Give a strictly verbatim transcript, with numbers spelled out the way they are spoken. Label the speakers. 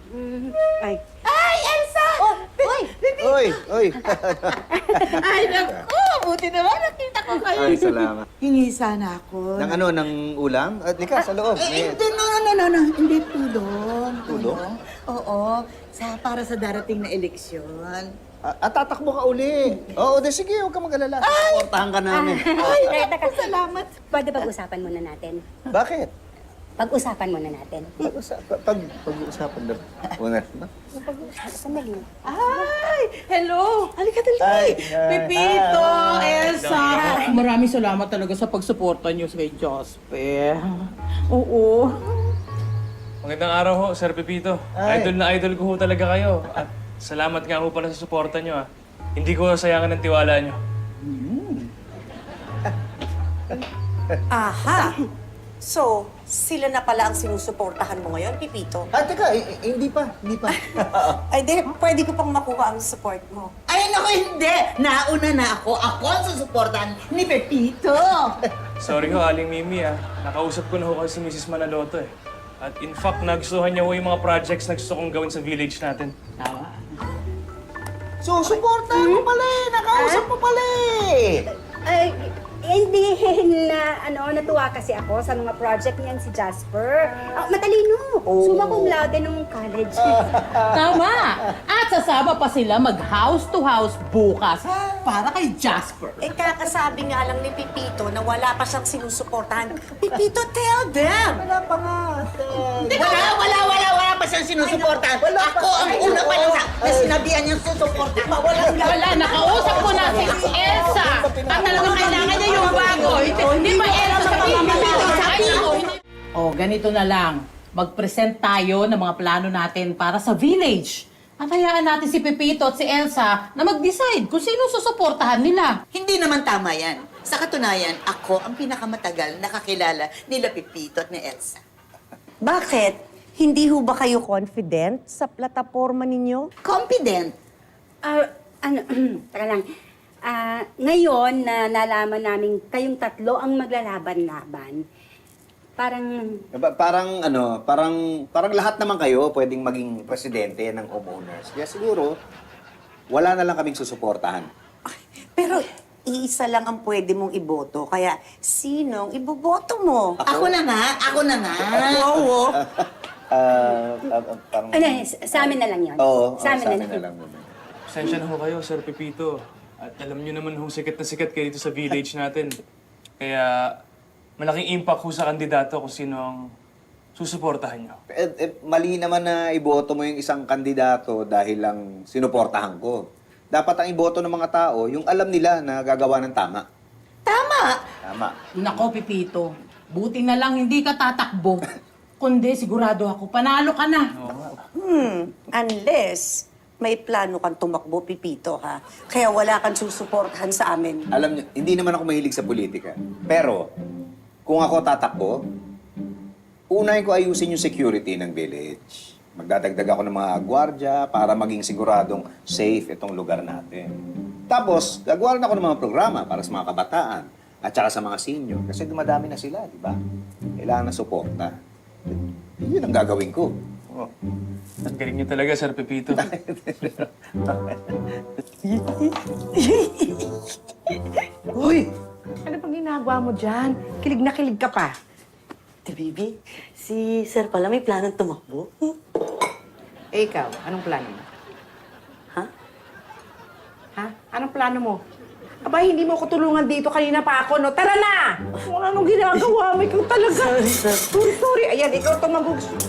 Speaker 1: Mm, ay.
Speaker 2: Ay, Elsa!
Speaker 1: Oh, uy!
Speaker 3: Oy, oy.
Speaker 2: Ay, naku! Buti naman nakita ko kayo.
Speaker 3: Ay, salamat.
Speaker 2: Hingi sana ako.
Speaker 3: Ng ano, ng ulam? At lika, sa loob.
Speaker 2: Eh,
Speaker 3: May-
Speaker 2: hindi, no, no, no, no, no. Hindi tulong.
Speaker 3: Tulong?
Speaker 2: Oo. Sa, para sa darating na eleksyon.
Speaker 3: Ah, at tatakbo ka uli. Oo, de sige, huwag ka mag-alala. Suportahan ka namin.
Speaker 2: Ay,
Speaker 1: Teka,
Speaker 2: naku,
Speaker 1: teka.
Speaker 2: salamat.
Speaker 1: Pwede pag-usapan muna natin.
Speaker 3: Bakit?
Speaker 1: Pag-usapan muna natin.
Speaker 3: Pag-usa- pa- pag, pag-uusapan na. Una.
Speaker 1: Sandali.
Speaker 2: Ay, hello. Halika, dali.
Speaker 3: Ay, ay,
Speaker 2: Pipito, Elsa.
Speaker 4: Maraming salamat talaga sa pagsuporta niyo kay Jospe. Oo.
Speaker 5: Magandang araw ho, Sir Pepito.
Speaker 3: Ay.
Speaker 5: Idol na idol ko ho talaga kayo. At salamat nga ho pala sa suporta nyo, ah. Hindi ko sayangan ng tiwala nyo.
Speaker 6: Aha! So, sila na pala ang sinusuportahan mo ngayon, Pipito?
Speaker 3: Ah, teka, eh, eh, hindi pa, hindi pa.
Speaker 6: Ay, di, pwede ko pang makuha ang support mo.
Speaker 2: Ay, naku, hindi. Nauna na ako. Ako ang susuportahan ni Pepito.
Speaker 5: Sorry ho, Aling Mimi, ah. Nakausap ko na ho kasi si Missus Manaloto, eh. At in fact, nagustuhan niya ho yung mga projects na gusto kong gawin sa village natin.
Speaker 3: So, suportahan mo pala eh. Nakausap mo pala eh.
Speaker 1: Ay, hindi na, ano, natuwa kasi ako sa mga project niyan si Jasper. Ah, matalino. Summa cum laude nung college.
Speaker 4: Tama! At sasama pa sila mag-house to house bukas para kay Jasper.
Speaker 6: Eh, kakasabi nga lang ni Pipito na wala pa siyang sinusuportahan. Pipito, tell them!
Speaker 3: Wala pa nga. ate.
Speaker 2: Wala, wala, wala, wala pa siyang sinusuportahan. Ako ang una pa niya na sinabihan niyang susuportahan. Wala,
Speaker 4: Wala, nakausap ko na si Elsa. At talagang kailangan niya yung bago. Hindi ba Elsa sa pamamagitan? Oh, ganito na lang. Mag-present tayo ng mga plano natin para sa village. At hayaan natin si Pepito at si Elsa na mag-decide kung sino susuportahan nila.
Speaker 2: Hindi naman tama yan. Sa katunayan, ako ang pinakamatagal nakakilala nila Pepito at ni Elsa.
Speaker 6: Bakit? Hindi ho ba kayo confident sa plataforma ninyo?
Speaker 2: Confident.
Speaker 1: Ah, ano, taka lang. Ah, ngayon na nalaman namin kayong tatlo ang maglalaban-laban, parang,
Speaker 3: Ba- Parang ano, parang parang lahat naman kayo pwedeng maging presidente ng homeowners. Kaya siguro, wala na lang kaming susuportahan.
Speaker 6: Pero iisa lang ang pwede mong iboto, kaya sinong iboboto mo?
Speaker 2: Ako na nga, ako na nga.
Speaker 6: Oo.
Speaker 3: Ah, ah, ah, parang...
Speaker 1: ano, sa sa amin na lang yun.
Speaker 3: Oo,
Speaker 1: sa
Speaker 3: oo,
Speaker 1: amin na lang.
Speaker 3: lang muna.
Speaker 5: Pasensya na ho kayo, Sir Pepito. At alam nyo naman ho, sikat na sikat kayo dito sa village natin. Kaya malaking impact ho sa kandidato kung sino ang susuportahan nyo.
Speaker 3: Eh, eh, mali naman na iboto mo yung isang kandidato dahil lang sinuportahan ko. Dapat ang iboto ng mga tao, yung alam nila na gagawa ng tama.
Speaker 2: Tama.
Speaker 3: Tama.
Speaker 4: Nako, Pepito. Buti na lang hindi ka tatakbo. Kundi sigurado ako, panalo ka na.
Speaker 6: Hmm, unless may plano kang tumakbo, Pipito, ha? Kaya wala kang susuportahan sa amin.
Speaker 3: Alam niyo, hindi naman ako mahilig sa politika. Pero, kung ako tatakbo, unahin ko ayusin yung security ng village. Magdadagdag ako ng mga gwardya para maging siguradong safe itong lugar natin. Tapos, gagawa rin ako ng mga programa para sa mga kabataan at saka sa mga senior. Kasi dumadami na sila, di ba? Kailangan ng suporta. Yun ang gagawin ko. Oh.
Speaker 5: Ang galing nyo talaga, Sir Pepito.
Speaker 7: Uy! Ano pang ginagawa mo dyan? Kilig na kilig ka pa.
Speaker 6: Ate Bibi, si Sir pala may planong tumakbo.
Speaker 7: Eh, ikaw, anong plano mo?
Speaker 6: Ha?
Speaker 7: Ha? Anong plano mo? Aba, hindi mo ko tulungan dito. Kanina pa ako, no? Tara na! Wala nung ginagawa mo. Ikaw talaga.
Speaker 6: Sorry, sir.
Speaker 7: Sorry, sorry. Ayan, ikaw itong mag-